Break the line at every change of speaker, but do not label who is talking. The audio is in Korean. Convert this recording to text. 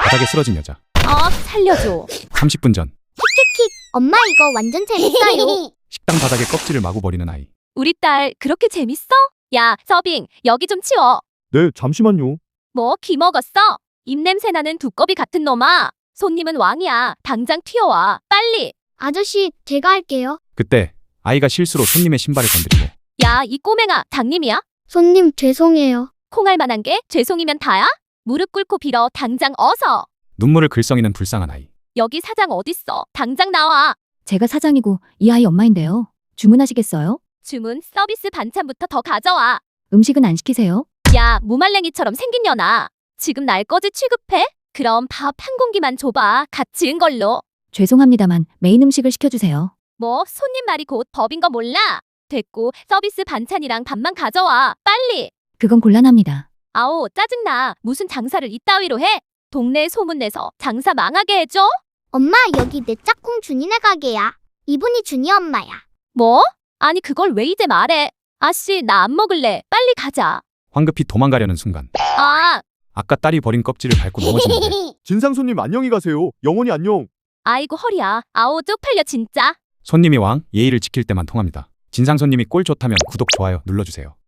바닥에 쓰러진 여자.
살려줘.
30분 전
엄마 이거 완전 재밌어요.
식당 바닥에 껍질을 마구 버리는 아이.
우리 딸 그렇게 재밌어? 야, 서빙, 여기 좀 치워.
네, 잠시만요.
뭐, 기 먹었어? 입냄새 나는 두꺼비 같은 놈아. 손님은 왕이야. 당장 튀어와. 빨리.
아저씨, 제가 할게요.
그때 아이가 실수로 손님의 신발을 건드리고
야, 이 꼬맹아, 당님이야?
손님, 죄송해요.
콩할 만한 게 죄송이면 다야? 무릎 꿇고 빌어. 당장 어서.
눈물을 글썽이는 불쌍한 아이.
여기 사장 어딨어? 당장 나와.
제가 사장이고 이 아이 엄마인데요. 주문하시겠어요?
주문, 서비스 반찬부터 더 가져와.
음식은 안 시키세요?
야, 무말랭이처럼 생긴 년아. 지금 날 거지 취급해? 그럼 밥 한 공기만 줘봐. 갓 지은 걸로.
죄송합니다만 메인 음식을 시켜주세요.
뭐, 손님 말이 곧 법인 거 몰라? 됐고, 서비스 반찬이랑 밥만 가져와. 빨리.
그건 곤란합니다.
아오, 짜증나. 무슨 장사를 이따위로 해? 동네에 소문내서 장사 망하게 해줘?
엄마, 여기 내 짝꿍 준이네 가게야. 이분이 준이 엄마야.
뭐? 아니, 그걸 왜 이제 말해? 아씨, 나 안 먹을래. 빨리 가자.
황급히 도망가려는 순간
아,
아까 딸이 버린 껍질을 밟고 넘어지는데
진상 손님 안녕히 가세요. 영원히 안녕.
아이고 허리야. 아오, 쪽팔려 진짜.
손님이 왕, 예의를 지킬 때만 통합니다. 진상 손님이 꼴 좋다면 구독, 좋아요 눌러주세요.